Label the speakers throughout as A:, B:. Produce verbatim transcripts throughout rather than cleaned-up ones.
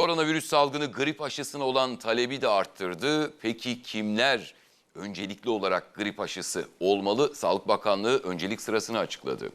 A: Koronavirüs salgını grip aşısına olan talebi de arttırdı. Peki kimler öncelikli olarak grip aşısı olmalı? Sağlık Bakanlığı öncelik sırasını açıkladı.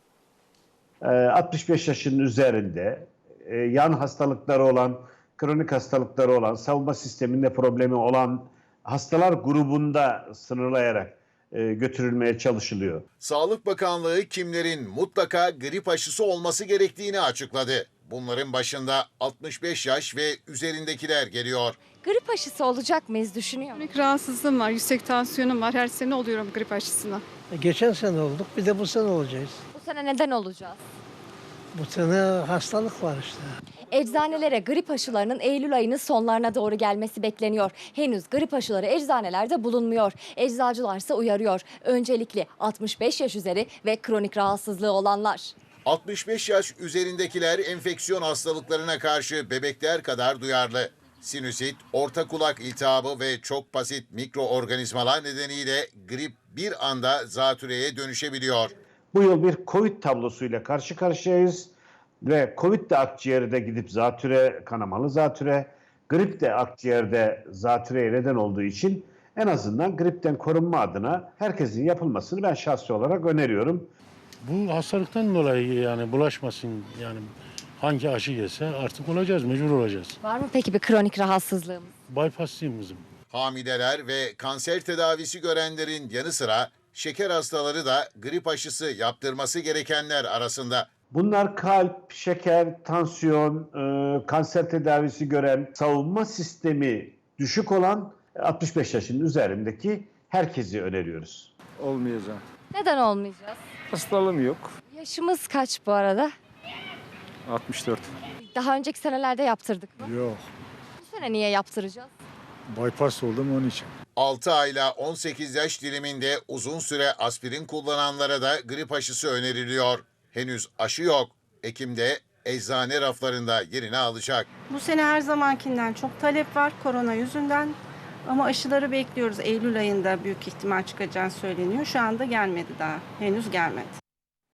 B: altmış beş yaşın üzerinde yan hastalıkları olan, kronik hastalıkları olan, savunma sisteminde problemi olan hastalar grubunda sınırlayarak götürülmeye çalışılıyor.
C: Sağlık Bakanlığı kimlerin mutlaka grip aşısı olması gerektiğini açıkladı. Bunların başında altmış beş yaş ve üzerindekiler geliyor.
D: Grip aşısı olacak mıyız düşünüyor musunuz?
E: Kronik rahatsızlığım var, yüksek tansiyonum var. Her sene oluyorum grip aşısına.
F: Geçen sene olduk, bir de bu sene olacağız.
D: Bu sene neden olacağız?
F: Bu sene hastalık var işte.
D: Eczanelere grip aşılarının Eylül ayının sonlarına doğru gelmesi bekleniyor. Henüz grip aşıları eczanelerde bulunmuyor. Eczacılarsa uyarıyor. Öncelikli altmış beş yaş üzeri ve kronik rahatsızlığı olanlar.
C: altmış beş yaş üzerindekiler enfeksiyon hastalıklarına karşı bebekler kadar duyarlı. Sinüsit, orta kulak iltihabı ve çok basit mikroorganizmalar nedeniyle grip bir anda zatürreye dönüşebiliyor.
B: Bu yıl bir Covid tablosuyla karşı karşıyayız ve Covid de akciğerde gidip zatüre, kanamalı zatüre, grip de akciğerde zatüreye neden olduğu için en azından gripten korunma adına herkesin yapılmasını ben şahsi olarak öneriyorum.
G: Bu hastalıktan dolayı yani bulaşmasın, yani hangi aşı gelse artık olacağız, mecbur olacağız.
D: Var mı peki bir kronik rahatsızlığımız?
G: Bypasslıyım kızım.
C: Hamileler ve kanser tedavisi görenlerin yanı sıra şeker hastaları da grip aşısı yaptırması gerekenler arasında.
B: Bunlar kalp, şeker, tansiyon, e, kanser tedavisi gören, savunma sistemi düşük olan altmış beş yaşın üzerindeki herkesi öneriyoruz.
H: Olmayacağım.
D: Neden olmayacağız?
H: Hastalığım yok.
D: Yaşımız kaç bu arada?
H: altmış dört.
D: Daha önceki senelerde yaptırdık mı?
H: Yok.
D: Bu sene niye yaptıracağız?
H: Bypass oldum onun için.
C: altı ayla on sekiz yaş diliminde uzun süre aspirin kullananlara da grip aşısı öneriliyor. Henüz aşı yok. Ekim'de eczane raflarında yerini alacak.
I: Bu sene her zamankinden çok talep var korona yüzünden. Ama aşıları bekliyoruz. Eylül ayında büyük ihtimal çıkacağı söyleniyor. Şu anda gelmedi daha. Henüz gelmedi.